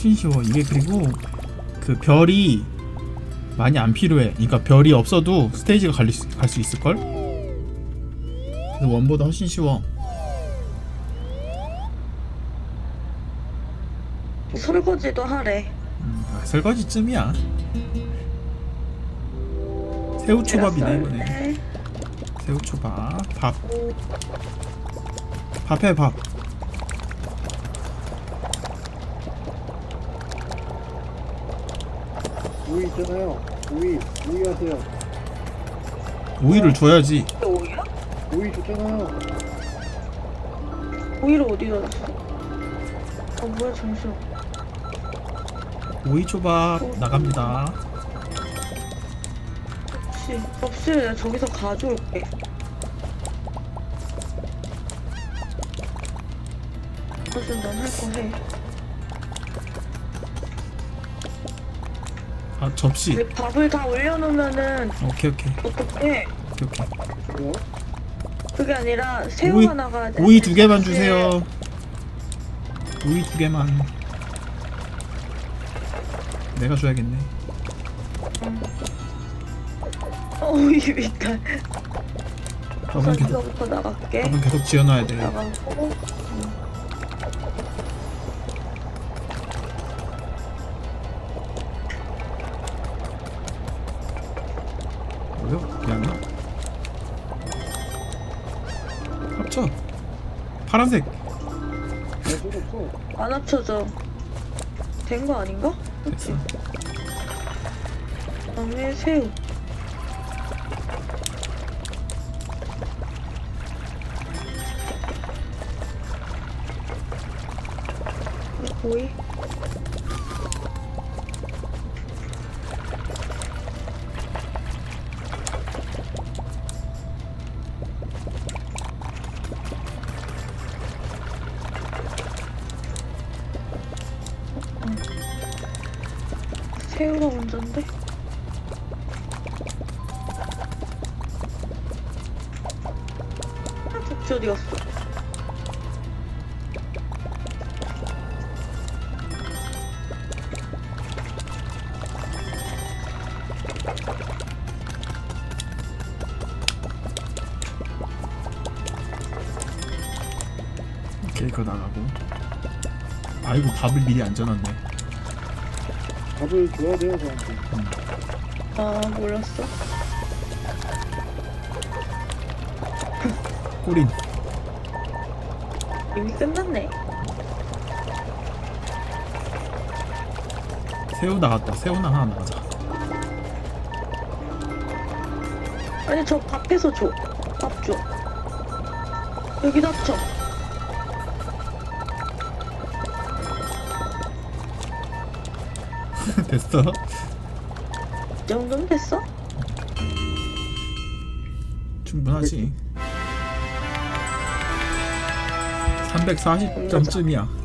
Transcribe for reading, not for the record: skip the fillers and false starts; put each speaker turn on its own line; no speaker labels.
훨씬 쉬워. 이게 그리고 그 별이 많이 안 필요해. 그러니까 별이 없어도 스테이지가 갈 수 있을걸? 그래서 원보다 훨씬 쉬워.
설거지도 하래.
설거지쯤이야. 새우초밥이네 이번에. 새우초밥. 밥 해, 밥.
오이 있잖아요. 오이 하세요.
오이를 줘야지.
오이야?
오이 줬잖아요.
오이를 어디다 놨어? 뭐야 잠시만.
오이초밥 나갑니다.
접시를 내가 저기서 가져올게. 어쨌든 넌 할 거 해.
아, 접시.
근데 밥을 다 올려놓으면은
오케이.
어떡해?
뭐요?
그게 아니라 새우
오이-
하나가
오이 2개만 주세요. 오이 2개만. 내가 줘야겠네.
오이 밑에.
밥은 계속,
이거부터 나갈게.
밥은 계속 지어놔야 돼.
나가고.
뭐요? 미안해. 합쳐. 파란색.
없어.
안 합쳐져. 된 거 아닌가?
됐어.
그다음에 새우. 오이. 새우가 먼저인데? 접시 어디 갔어?
오케이, 그거 나가고. 아이고, 밥을 미리 안 져놨네.
밥을 줘야 돼요 저한테.
아 몰랐어.
꼬린.
이미 끝났네.
새우 나갔다. 새우나 하나 나가자.
아니 저 밥해서 줘. 밥 줘. 여기다 합쳐.
됐어.
이 정도면 됐어?
충분하지. 340점쯤이야.